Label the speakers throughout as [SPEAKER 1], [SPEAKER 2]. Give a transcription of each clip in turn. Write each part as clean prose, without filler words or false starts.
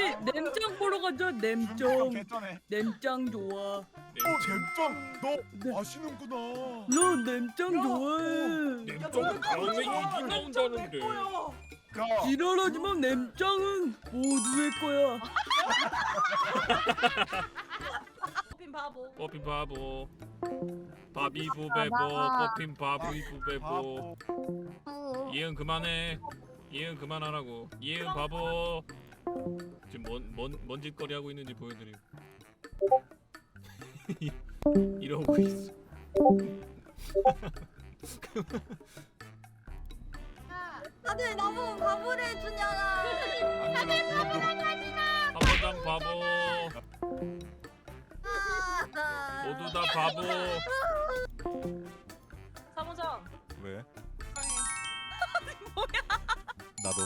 [SPEAKER 1] 냄짱 보러 가자. 냄짱.
[SPEAKER 2] 괜찮네.
[SPEAKER 1] 냄짱 좋아.
[SPEAKER 2] 잼짱 너
[SPEAKER 1] 네.
[SPEAKER 2] 아시는구나.
[SPEAKER 1] 나 냄짱 좋아해.
[SPEAKER 3] 냄짱은 다음에 이기 나온다는데.
[SPEAKER 2] 야,
[SPEAKER 1] 지랄하지만 냄짱은 모두의 거야.
[SPEAKER 4] 핀 바보.
[SPEAKER 3] 뽑힌 바보. 바비부 베보. 뽑힌 바비부 베보. 이응 그만해. 이응 그만하라고. 이응 바보. 지금 뭔 짓거리 하고 있는지 보여드림. 이러고 있어.
[SPEAKER 4] 다들 너무 바보를 해주냐라.
[SPEAKER 3] 바보당 바보. 모두 다 바보.
[SPEAKER 4] 사무장.
[SPEAKER 2] 왜?
[SPEAKER 4] 뭐야?
[SPEAKER 2] 나도.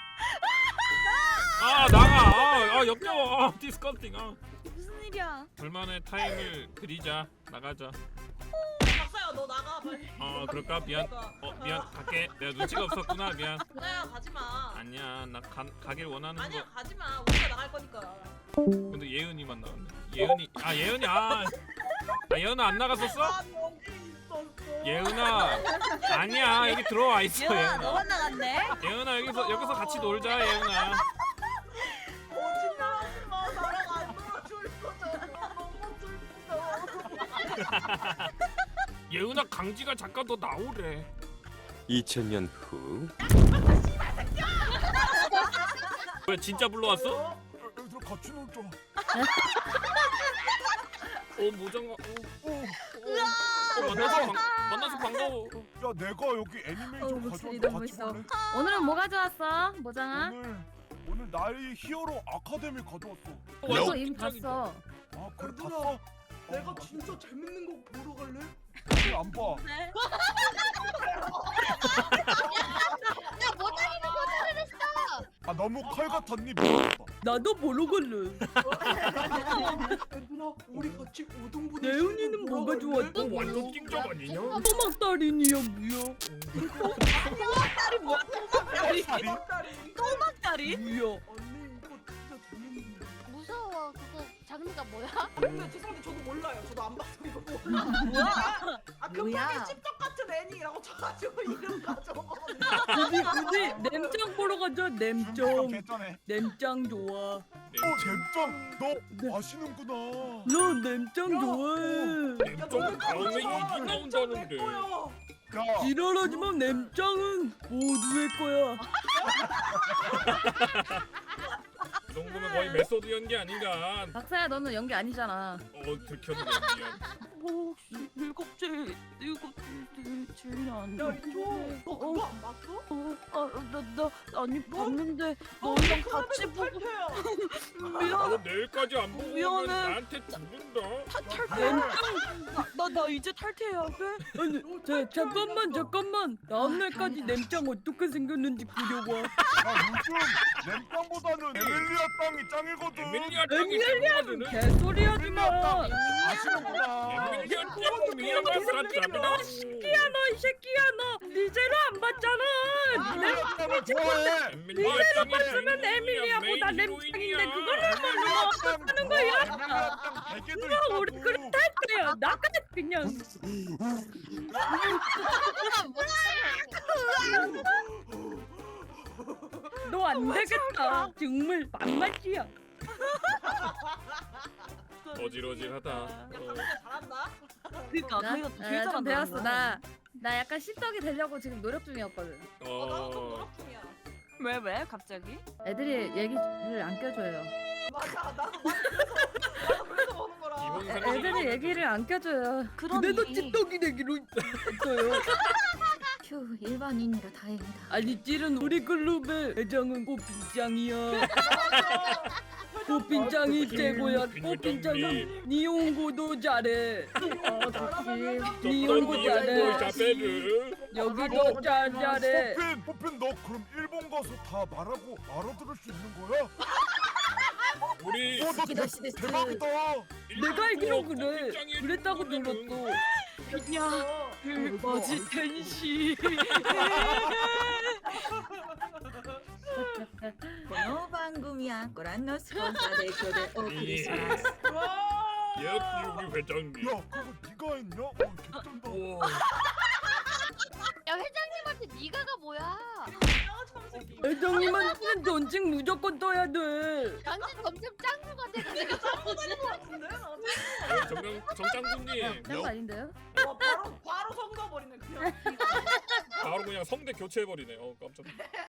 [SPEAKER 3] 아 나가. 역겨워. 디스커스팅.
[SPEAKER 4] 무슨 일이야?
[SPEAKER 3] 둘만의 타임을 그리자. 나가자.
[SPEAKER 4] 박사야 너 나가 빨리.
[SPEAKER 3] 그럴까? 미안. 미안. 갈게. 내가 눈치가 없었구나. 미안.
[SPEAKER 4] 박사야 가지마.
[SPEAKER 3] 아니야. 나 가길 원하는
[SPEAKER 4] 아니야
[SPEAKER 3] 거.
[SPEAKER 4] 가지마. 우리가 나갈 거니까.
[SPEAKER 3] 근데 예은이만 나왔네. 예은이. 예은아 안 나갔었어?
[SPEAKER 4] 여기 있었어.
[SPEAKER 3] 예은아. 아니야. 여기 들어와 있어. 예은아.
[SPEAKER 4] 나갔네?
[SPEAKER 3] 예은아 여기서 같이 놀자. 예은아.
[SPEAKER 4] 거짓말하지 마. 나랑 안 놀아줄 거잖아. 너무 슬프다.
[SPEAKER 3] 예은아 강지가 잠깐 더 나오래.
[SPEAKER 5] 2000년 후
[SPEAKER 3] 왜 진짜 불러왔어?
[SPEAKER 2] 얘들아 같이 놀자.
[SPEAKER 3] 모장가. 만나서 반가워.
[SPEAKER 2] 야 내가 여기 애니메이션
[SPEAKER 6] 목소리
[SPEAKER 2] 가져왔는데
[SPEAKER 6] 너무
[SPEAKER 2] 같이
[SPEAKER 6] 멋있어.
[SPEAKER 2] 볼래?
[SPEAKER 6] 오늘은 뭐 가져왔어, 모장아?
[SPEAKER 2] 오늘 나의 히어로 아카데미 가져왔어.
[SPEAKER 6] 나도 이미 봤어.
[SPEAKER 2] 아 그래
[SPEAKER 7] 얘들아,
[SPEAKER 2] 봤어?
[SPEAKER 7] 내가 진짜 재밌는 거 보러 갈래?
[SPEAKER 2] 왜 안 봐?
[SPEAKER 4] 네.
[SPEAKER 2] 아 너무 칼 같았니? 미안하다.
[SPEAKER 1] 나도 보러 갈래.
[SPEAKER 7] 얘들아, 우리 같이 오동분이
[SPEAKER 1] 예은이는 뭐가 좋았어?
[SPEAKER 3] 완전 찡적 아니냐?
[SPEAKER 1] 토막달인이야 뭐야?
[SPEAKER 4] 딸이 뭐야?
[SPEAKER 2] 살이?
[SPEAKER 4] 딸이?
[SPEAKER 1] 뭐야?
[SPEAKER 7] 언니 이거 진짜 재밌는데.
[SPEAKER 8] 무서워. 그거 장르가 뭐야?
[SPEAKER 7] 근데 죄송한데 저도 몰라요. 저도 안 봐서 이거 몰라.
[SPEAKER 4] 뭐야?
[SPEAKER 7] 급하게 씹적 같은 애니라고 쳐가지고 이름 가져먹었는데.
[SPEAKER 1] 굳이 냄짱 보러 가자. 냄짱.
[SPEAKER 2] 괜찮네.
[SPEAKER 1] 냄짱 좋아.
[SPEAKER 2] 잼짱 너
[SPEAKER 1] 네.
[SPEAKER 2] 아시는구나.
[SPEAKER 1] 나 냄짱 좋아해.
[SPEAKER 3] 냄짱은 다음에 이기 나온다는데.
[SPEAKER 2] 야,
[SPEAKER 1] 지랄하지만 냄짱은 모두의 거야.
[SPEAKER 3] 그 정도면 거의 메소드 연기 아닌가?
[SPEAKER 6] 박사야, 너는 연기 아니잖아.
[SPEAKER 3] 들켰네 연기야.
[SPEAKER 1] 뭐 혹시 일곱째 주인 안
[SPEAKER 7] 야 이거 너 그거 안 봤어?
[SPEAKER 1] 아니 봤는데
[SPEAKER 7] 너
[SPEAKER 1] 너랑
[SPEAKER 7] 그
[SPEAKER 1] 같이
[SPEAKER 7] 사람에서
[SPEAKER 1] 보고
[SPEAKER 7] 탈퇴야.
[SPEAKER 1] 미안.
[SPEAKER 3] 내일까지 안 보고
[SPEAKER 1] 미안해.
[SPEAKER 3] 오면 나한테 죽는다.
[SPEAKER 1] 탈퇴. 나 이제 탈퇴해야 돼. 아니 잠깐만. 다음날까지 냄짱 어떻게 생겼는지 그려봐.
[SPEAKER 2] 요즘 램빵보다는 에밀리아 땅이 짱이거든.
[SPEAKER 3] 에밀리아 땅이 최고거든.
[SPEAKER 1] 개소리 하지 마.
[SPEAKER 2] 아시는구나.
[SPEAKER 3] 에밀리아 땅 미안한 사람이다.
[SPEAKER 1] 너 이 새끼야 너 리제로 안 봤잖아.
[SPEAKER 2] 에밀리아 땅을 좋아해.
[SPEAKER 3] 에밀리아
[SPEAKER 1] 봤으면 에밀리아보다 냄짱인데 그거를
[SPEAKER 2] 하는 거야? 에밀리아 땅 베개도 있다고.
[SPEAKER 1] 우리 그럼 탈퇴야. 나까지 그냥. 너 안 되겠다. 정말 만맛이야.
[SPEAKER 3] 어질어질하다.
[SPEAKER 4] 잘한다.
[SPEAKER 1] 그러니까
[SPEAKER 6] 나좀 배웠어. 나 약간 씹덕이 되려고 지금 노력 중이었거든.
[SPEAKER 4] 나도 좀 노력 중이야.
[SPEAKER 1] 왜 갑자기?
[SPEAKER 6] 애들이 얘기를 안 껴줘요.
[SPEAKER 7] 맞아. 나도 그래서 보는 거라.
[SPEAKER 6] 애들이 얘기를 안 껴줘요.
[SPEAKER 1] 그래도 ጭ떡이 되기로 했어요.
[SPEAKER 8] 휴, 일반인이라 다행이다.
[SPEAKER 1] 아니 찌른 우리 클럽의 회장은 꽃빈짱이야. 꽃빈짱이 최고야. 꽃빈짱은 니온고도 잘해. 니온고 잘해. 여기도 잘해.
[SPEAKER 2] 포핀 너 그럼 일본 가서 다 말하고 알아들을 수 있는 거야?
[SPEAKER 3] 우리
[SPEAKER 2] 너 대박이다.
[SPEAKER 1] 내가 알기로 그래. 그랬다고 들었어. 야, 뭐지 텐시.
[SPEAKER 9] この番組はご覧のスポンサーで今日でお送りします。
[SPEAKER 3] 역시 우리 회장님.
[SPEAKER 2] 야 그거 네가 했냐? 개쩐다.
[SPEAKER 3] 우와.
[SPEAKER 8] 야 회장님한테 니가가 뭐야?
[SPEAKER 1] 회장님한테는 전직 무조건 떠야 돼.
[SPEAKER 8] 완전 점점 짱구가 돼가지고
[SPEAKER 3] 정장군님
[SPEAKER 6] 딴거 아닌데요?
[SPEAKER 7] 바로 성가버리네 그냥.
[SPEAKER 3] 바로 그냥 성대 교체해버리네. 깜짝.